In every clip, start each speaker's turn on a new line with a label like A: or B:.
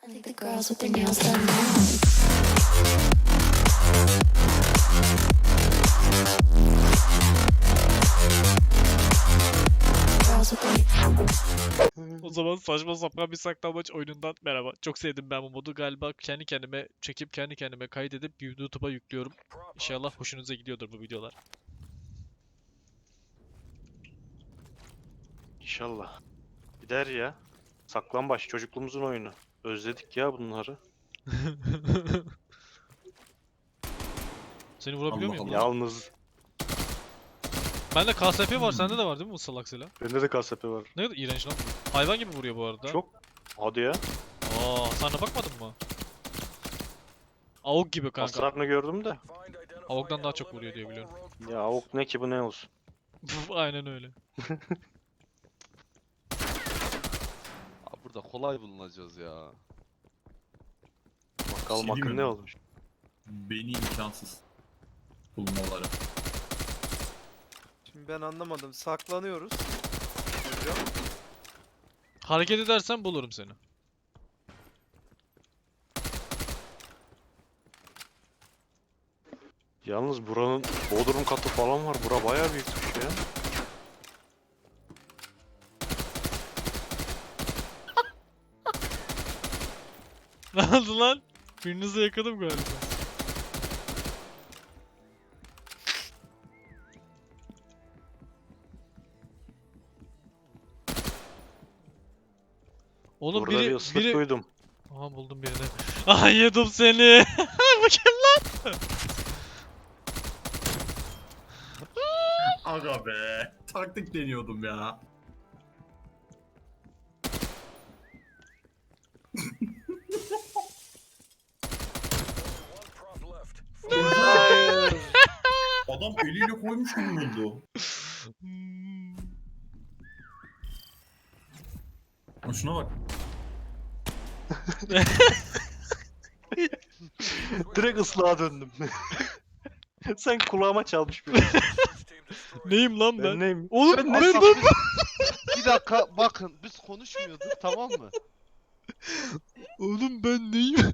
A: think the girls with their nails done now. Girls with their
B: O zaman saçma sapan bir saklambaç oyunundan merhaba. Çok sevdim ben bu modu. Galiba kendi kendime çekip kendi kendime kaydedip YouTube'a yüklüyorum. İnşallah hoşunuza gidiyordur bu videolar.
C: İnşallah. Gider ya. Saklambaç çocukluğumuzun oyunu. Özledik ya bunları.
B: Seni vurabiliyor
D: Allah
B: muyum
D: Allah.
B: lan?
C: Yalnız
B: Bende KSP var, sende de var değil mi bu salak silah?
C: bende de KSP var.
B: Ne kadar iğrenç lan bu. Hayvan gibi vuruyor bu arada.
C: Çok. Hadi ya.
B: Sen de bakmadın mı? AUG gibi kanka.
C: Hasarını gördüm de.
B: AUG'dan daha çok vuruyor diye biliyorum.
C: Ya avuk ne ki bu ne olsun.
B: Aynen öyle.
E: Abi burada kolay bulunacağız ya.
C: Bakalım
D: Şey
C: akın
D: diyeyim
C: ne
D: mi?
C: olmuş.
D: Beni imkansız bulmaları.
F: Şimdi ben anlamadım. Saklanıyoruz. Hocam.
B: Hareket edersen bulurum seni.
C: Yalnız buranın bodrum katı falan var. Bura bayağı büyükmüş ya.
B: Ne oldu lan? Birinizi yakaladım galiba. Oğlum
C: Burada bir
B: biri
C: ıslık duydum.
B: Aha buldum birini. Aha yedim seni. Bu kim lan?
D: Aga be. Taktik deniyordum ya. Adam eliyle koymuş gibi oldu.
B: Hmm.
D: Ha, şuna bak.
C: Direkt ıslığa döndüm. Sen kulağıma çalmış bir.
B: Neyim lan ben?
C: Ben neyim?
B: Oğlum
C: Ben
B: ben,
C: ne
B: ben,
E: Bir dakika bakın biz konuşmuyorduk tamam mı?
B: Oğlum ben neyim?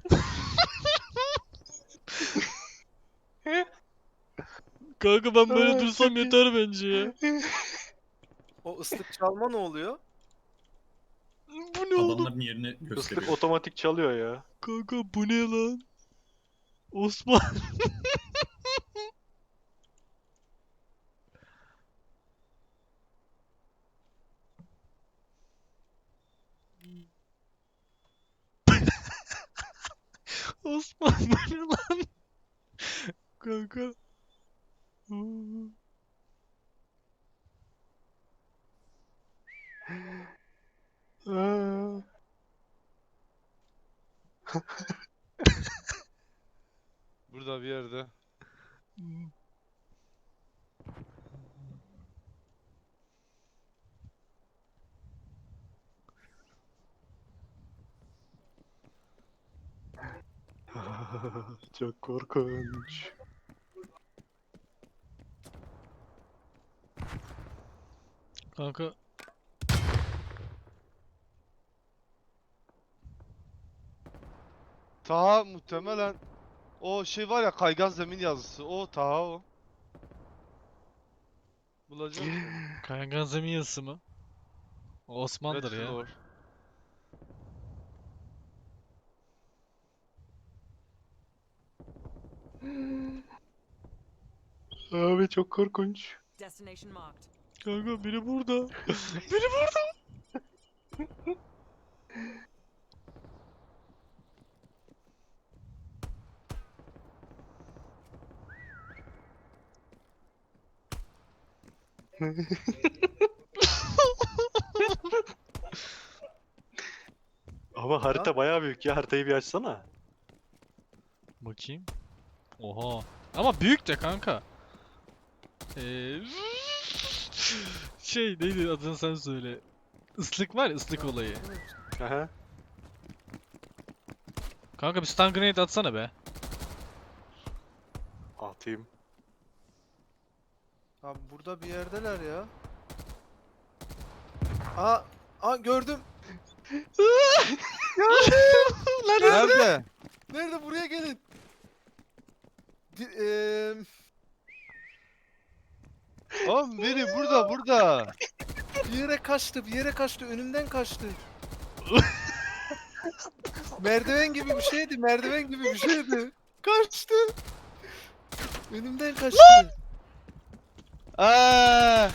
B: Kanka ben böyle
C: Aa,
B: dursam
C: çok iyi.
B: yeter bence ya.
F: O ıslık çalma ne oluyor?
B: Bu ne oğlum?
D: Adamların yerini
C: Islık
D: gösteriyor.
C: otomatik çalıyor ya.
B: Kanka bu ne lan? Osman. Osman bu ne lan? Kanka.
C: Aa.
E: Burada bir yerde.
C: Çok korkunç.
B: Kanka.
E: Taha muhtemelen o şey var ya kaygan zemin yazısı. O Taha o. Bulacağım seni.
B: Kaygan zemin yazısı mı? O Osman'dır
E: Red
B: ya.
E: Floor.
C: Abi çok korkunç.
G: Destination marked.
B: Kanka biri burada. Biri burada.
C: Ama harita bayağı büyük ya. Haritayı bir açsana.
B: Bakayım. Oha. Ama büyük de kanka. Şey neydi adını sen söyle. Islık var ya, ıslık olayı.
C: Aha.
B: Kanka bir stun grenade atsana be.
C: Atayım.
F: Abi burada bir yerdeler ya. Aa gördüm.
B: Lan
E: Nerede? Nerede? Buraya gelin. Bir, Oğlum biri burada. Bir yere kaçtı. Önümden kaçtı. merdiven gibi bir şeydi. Kaçtı. Önümden kaçtı. Aa!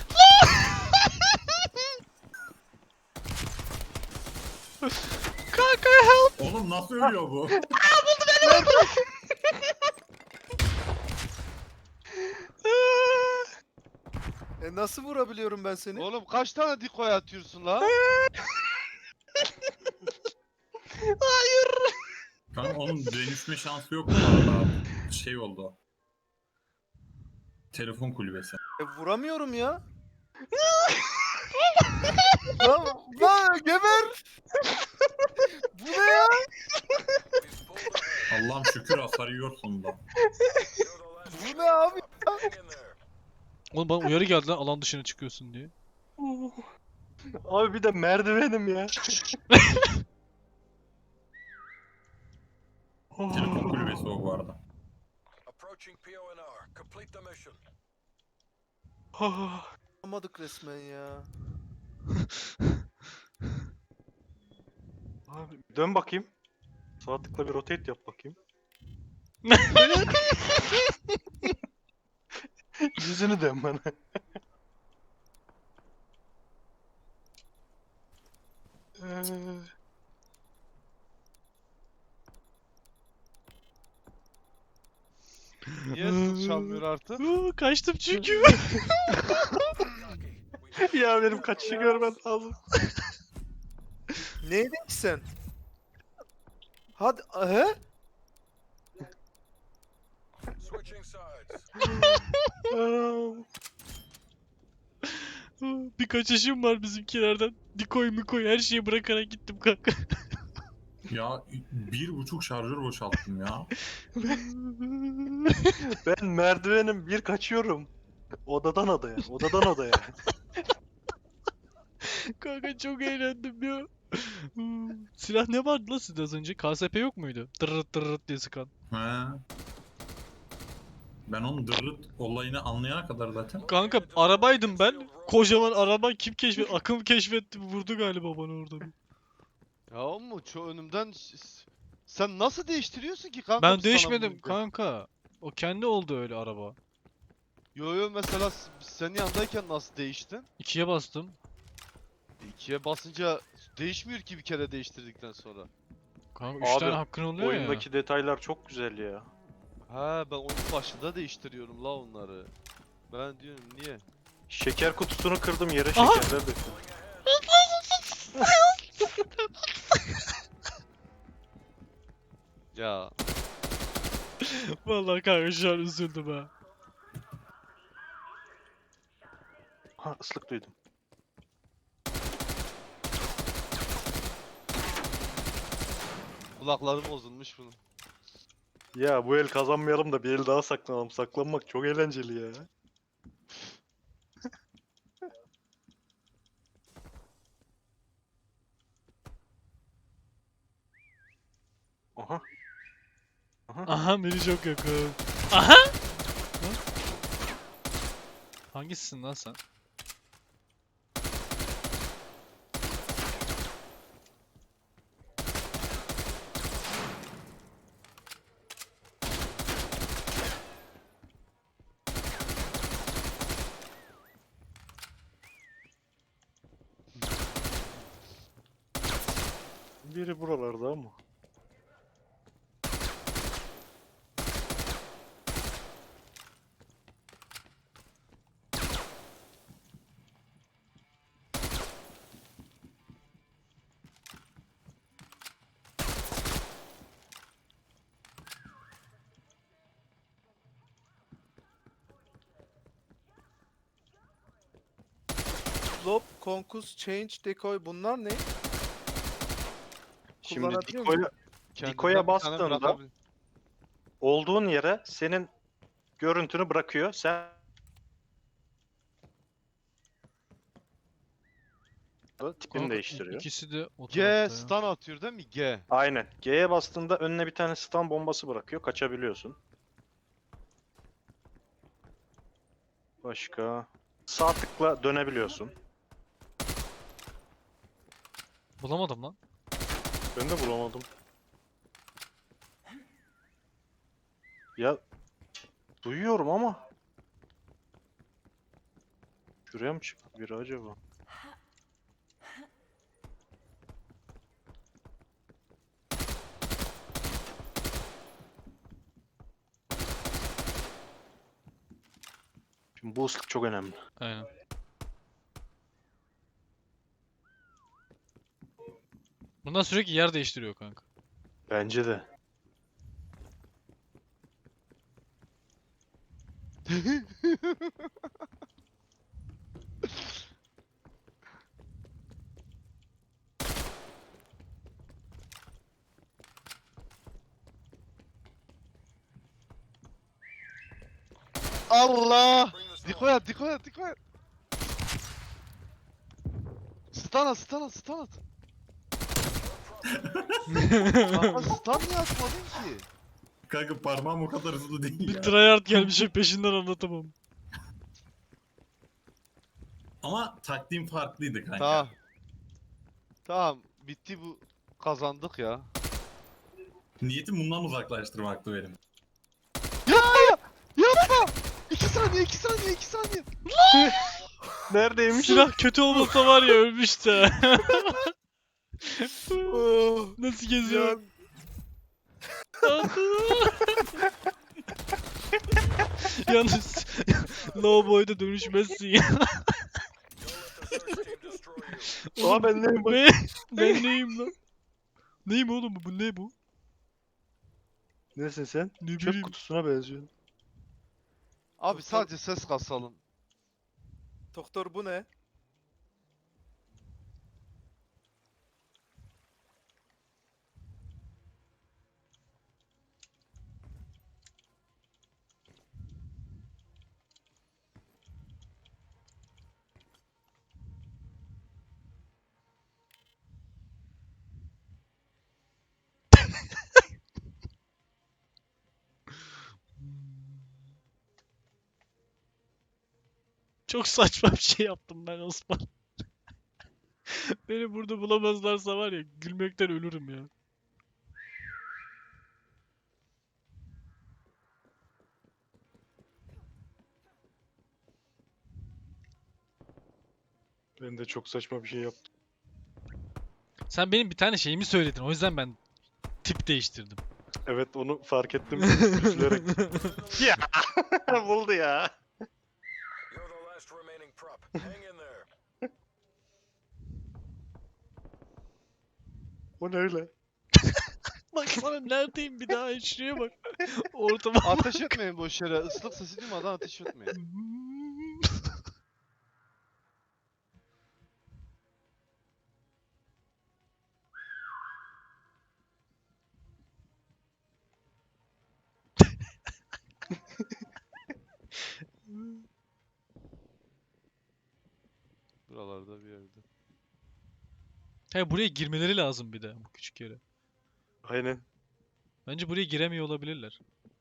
B: Kanka help.
D: Oğlum nasıl ölüyor bu?
F: Nasıl vurabiliyorum ben seni?
E: Oğlum kaç tane decoy atıyorsun la?
D: Kanka onun dönüşme şansı yok bu arada. Şey oldu. Telefon kulübesi.
F: Vuramıyorum ya. lan geber. Bu ne ya?
D: Allah'ım şükür hasar yiyor sonunda.
F: Bu ne abi?
B: Oğlum bana uyarı geldi lan alan dışına çıkıyorsun diye.
C: Abi bir de merdivenim ya.
D: Telefon kulübesi o bu arada.
G: Approaching PONR. Complete the mission.
F: Yapamadık resmen ya.
C: Abi dön bakayım. Sağ tıkla bir rotate yap bakayım. Yüzünü dön bana.
E: Niye zil çalmıyor artık?
B: Kaçtım çünkü.
C: Ya benim kaçışı görmen lazım.
F: Neydin ki sen? Hadi he?
G: Switching sides.
B: Bir kaçışım var bizimkilerden. Dikoy mikoy her şeyi bırakarak gittim kanka.
D: Ya 1,5 şarjör boşalttım ya.
C: Ben merdivenim bir kaçıyorum. Odadan odaya, odadan odaya.
B: Kanka çok eğlendim ya. Silah ne vardı lan sizde az önce? KSP yok muydu? Tırırt tırırt diye sıkan.
D: He. Ben onun dırırt olayını anlayana kadar zaten.
B: Kanka arabaydım ben. Kocaman araba kim keşfetti? Akım keşfetti. Vurdu galiba bana orada bir.
E: Ya oğlum şu önümden sen nasıl değiştiriyorsun ki kanka?
B: Ben
E: biz sana
B: değişmedim
E: vurunca?
B: kanka. O kendi oldu öyle araba.
E: Yo mesela biz senin yanındayken nasıl değiştin?
B: 2'ye bastım.
E: 2'ye basınca değişmiyor ki bir kere değiştirdikten sonra.
B: Kanka 3
C: Abi,
B: tane hakkın oluyor
C: Oyundaki detaylar çok güzel ya.
E: Ha ben oyunun başında değiştiriyorum la onları. Ben diyorum niye?
C: Şeker kutusunu kırdım yere
B: Aha!
C: şekerler döktüm.
E: Ya
B: ya. Vallahi kanka şu an üzüldüm ha.
C: Ha ıslık duydum.
E: kulaklarım bozulmuş bunun.
C: Ya bu el kazanmayalım da bir el daha saklanalım. Saklanmak çok eğlenceli ya. Aha.
B: Aha beni çok yakın. Aha! Lan. Hangisisin lan sen?
C: Biri buralarda ama.
F: Lob, konkus, change, decoy bunlar ne?
C: Şimdi
F: Kullanabiliyor muyum?
C: Dikoya
E: Kendinden bir tane
C: bastığında-
E: bırakabil-
C: olduğun yere senin görüntünü bırakıyor. Sen Tipini
B: Kanka,
C: değiştiriyor.
B: İkisi de o
E: G
B: tarafta ya.
E: stun atıyor değil mi? G.
C: Aynen. G'ye bastığında önüne bir tane stun bombası bırakıyor. Kaçabiliyorsun. Başka. Sağ tıkla dönebiliyorsun.
B: Bulamadım lan.
C: Ben de bulamadım. Ya duyuyorum ama. Şuraya mı çıktı biri acaba? Şimdi bu ıslık çok önemli.
B: Aynen. Bundan sürekli yer değiştiriyor kanka.
C: Bence de.
E: Allah!
G: Bring the smoke.
E: Dikkat et, dikkat et, dikkat et. Stun at, stun at, stun at. Kanka stun niye atmadın ki?
D: Kanka parmağım o kadar hızlı değil
B: Bir
D: ya.
B: tryhard gelmiş peşinden anlatamam.
D: Ama taktiğim farklıydı kanka.
E: Tamam. Tamam, bitti bu. Kazandık ya.
D: Niyetim bundan uzaklaştırmaktı benim.
E: Yapma! 2 saniye, 2 saniye, 2 saniye.
C: Neredeymiş?
B: Silah kötü olmasa var ya ölmüş de. Nasıl geziyor? Yalnız low boy'da dönüşmezsin ya.
G: Don't let the search team destroy you.
C: Aa ben neyim bak.
B: Ne? Ben neyim lan? Neyim oğlum bu? Bu ne bu?
C: Nesin sen?
B: Ne
C: Çöp
B: bileyim.
C: kutusuna benziyorsun.
E: Abi sadece ses kasalım.
F: Doktor bu ne?
B: Çok saçma bir şey yaptım ben Osman. Beni burada bulamazlarsa var ya gülmekten ölürüm ya.
C: Ben de çok saçma bir şey yaptım.
B: Sen benim bir tane şeyimi söyledin. O yüzden ben tip değiştirdim.
C: Evet onu fark ettim. Üzülerek. Ya buldu ya.
G: You're the last remaining prop. Hang in there.
C: O ne öyle?
B: Bak sana neredeyim bir daha şuraya bak. Ortama.
E: Ateş etmeyin boş yere. Islık sesi duymadan ateş etmeyin. Buralarda bir yerde.
B: He buraya girmeleri lazım bir de bu küçük yere.
C: Aynen.
B: Bence buraya giremiyor olabilirler.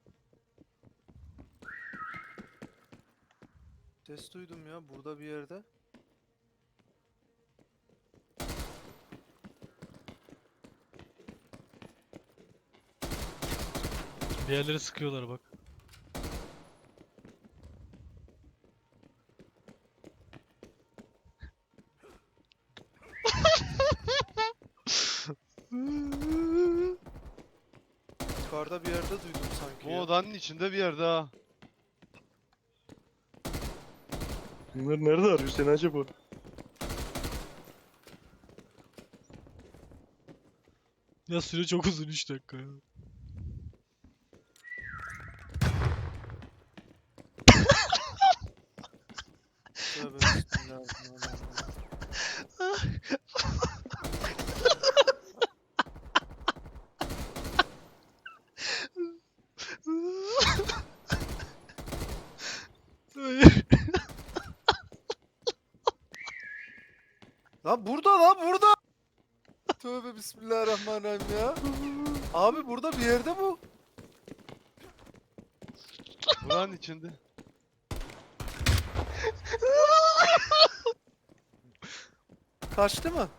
F: Ses duydum ya burada bir yerde.
B: Bir yerlere sıkıyorlar bak.
F: Yukarıda bir yerde duydum sanki
E: Bu
F: ya.
E: odanın içinde bir yerde ha.
C: Bunlar nerede arıyor seni acaba?
B: Ya süre çok uzun 3 dakika ya.
F: Tövbe bismillahirrahmanirrahim.
B: Hayır.
F: Lan burada lan burada. Tövbe bismillahirrahmanirrahim ya. Abi burada bir yerde bu.
E: Buranın içinde.
F: Kaçtı mı?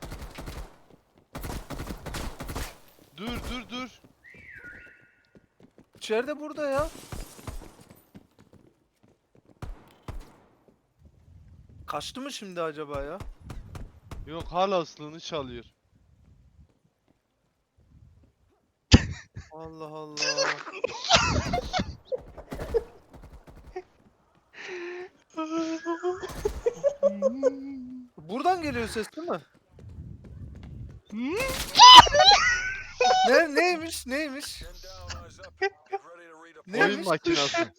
E: Dur.
F: İçeride burada ya. Kaçtı mı şimdi acaba ya?
E: Yok hala ıslığını çalıyor.
F: Allah Allah. Buradan geliyor ses değil mi? Neymiş?
G: Men down, eyes up. Get ready to redeploy.
F: Neymiş?
E: Oyun makinası.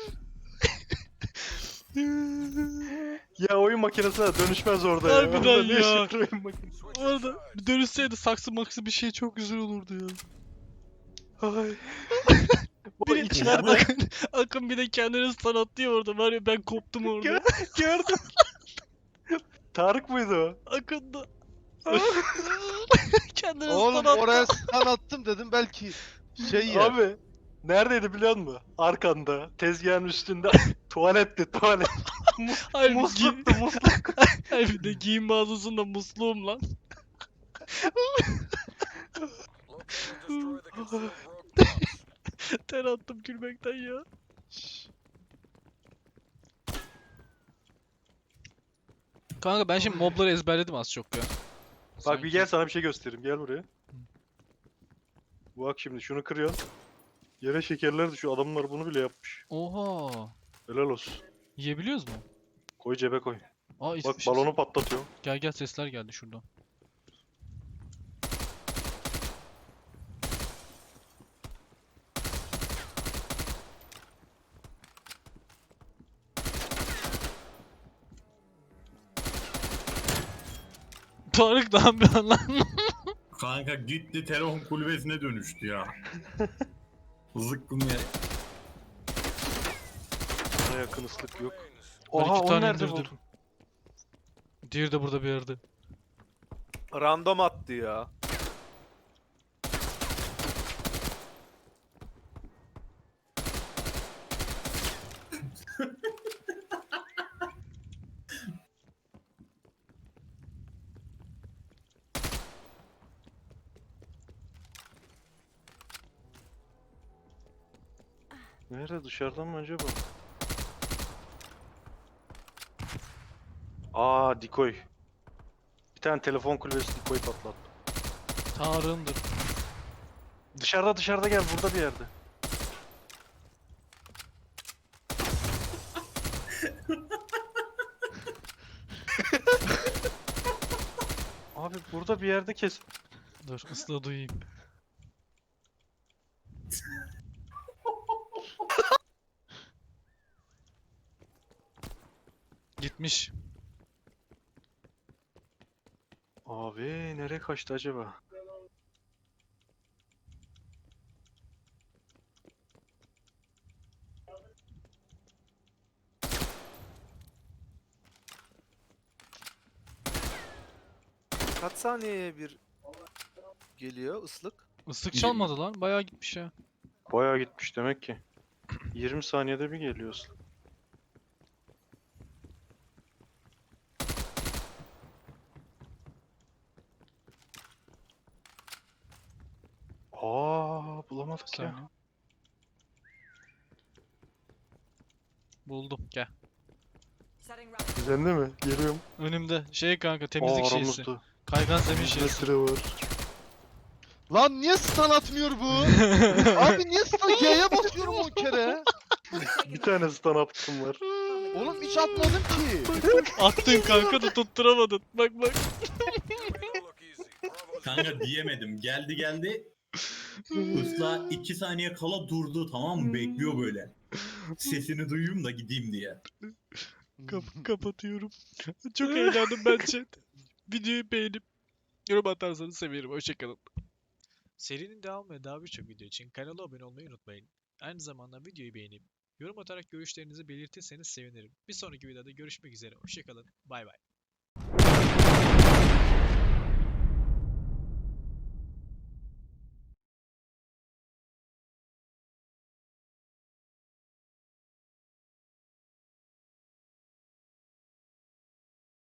C: Ya oyun makinesine dönüşmez orada ya.
B: Harbiden
C: Orada ne
B: ya.
C: işin var oyun makinesi?
G: Switch
B: Orada
G: sides.
B: bir dönüşseydi saksı maksı bir şey çok güzel olurdu ya.
C: Ay. Bu
B: Biri,
C: içeride
B: Akın bir de kendini sanatlıyor orada var ya ben koptum orada.
C: gördüm. Tarık mıydı o?
B: Akın da. Kendini
E: Oğlum
B: sanatlıyor.
E: oraya stun attım dedim belki şey ya.
C: Abi neredeydi biliyor musun? Arkanda, tezgahın üstünde tuvaletti tuvalet.
B: Hayır, bir
C: Musluktu musluk.
B: Hayır bir de giyim mağazasında musluğum lan.
G: Locate and destroy the concealed rogue bombs.
B: Ter attım gülmekten ya.
E: Şşş.
B: Kanka ben şimdi mobları ezberledim az çok ya.
C: Bak bir gel sana bir şey göstereyim. Gel buraya. Bak şimdi şunu kırıyorsun. Yere şekerler düşüyor. Adamlar bunu bile yapmış.
B: Oha.
C: Helal olsun.
B: Yiyebiliyoruz mu?
C: Koy cebe koy.
B: Aa
C: Bak
B: içmişiz.
C: balonu patlatıyor.
B: Gel sesler geldi şuradan. Tarık ne yapıyorsun lan?
D: Kanka gitti telefon kulübesine dönüştü ya. Zıkkım ya.
C: Buna yakın ıslık yok.
B: Ben
C: Oha
B: iki
C: onu
B: tane
C: nerede
B: indirdim.
C: buldun?
B: Diğeri de burada bir yerde.
F: Random attı ya.
C: Nerede dışarıdan mı acaba? Aa dikoy. Bir tane telefon kulübesi dikoy patlattı.
B: Tarık'ındır.
C: Dışarıda gel burada bir yerde. Abi burada bir yerde kes.
B: Dur ıslığı duyayım. Gitmiş.
C: Abi nereye kaçtı acaba?
F: Kaç saniyeye bir geliyor ıslık?
B: Islık çalmadı lan. Bayağı gitmiş ya.
C: Bayağı gitmiş demek ki. 20 saniyede bir geliyorsun. Aa bulamadık
B: Bir
C: ya.
B: saniye. Buldum. Gel.
C: Sende mi? Geliyorum.
B: Önümde. Şey kanka temizlik
C: Aa
B: şeysi.
C: aramızda.
B: Kaygan zemin şeysi.
C: Metre var.
E: Lan niye stun atmıyor bu? Abi niye stun G'ye basıyorum 10 kere?
C: Bir tane stun up'ım var.
E: Oğlum hiç atmadım ki.
B: Attın kanka da tutturamadın. Bak.
G: Make it look easy. Bravo's
D: Kanka diyemedim. Geldi. Isla 2 saniye kala durdu, tamam mı? Bekliyor böyle. Sesini duyayım da gideyim diye.
B: Kapatıyorum. Çok eğlendim ben chat. Videoyu beğenip yorum atarsanız sevinirim. Hoşçakalın. Serinin devamı ve daha birçok video için kanala abone olmayı unutmayın. Aynı zamanda videoyu beğenip yorum atarak görüşlerinizi belirtirseniz sevinirim. Bir sonraki videoda görüşmek üzere. Hoşçakalın. Bay bay.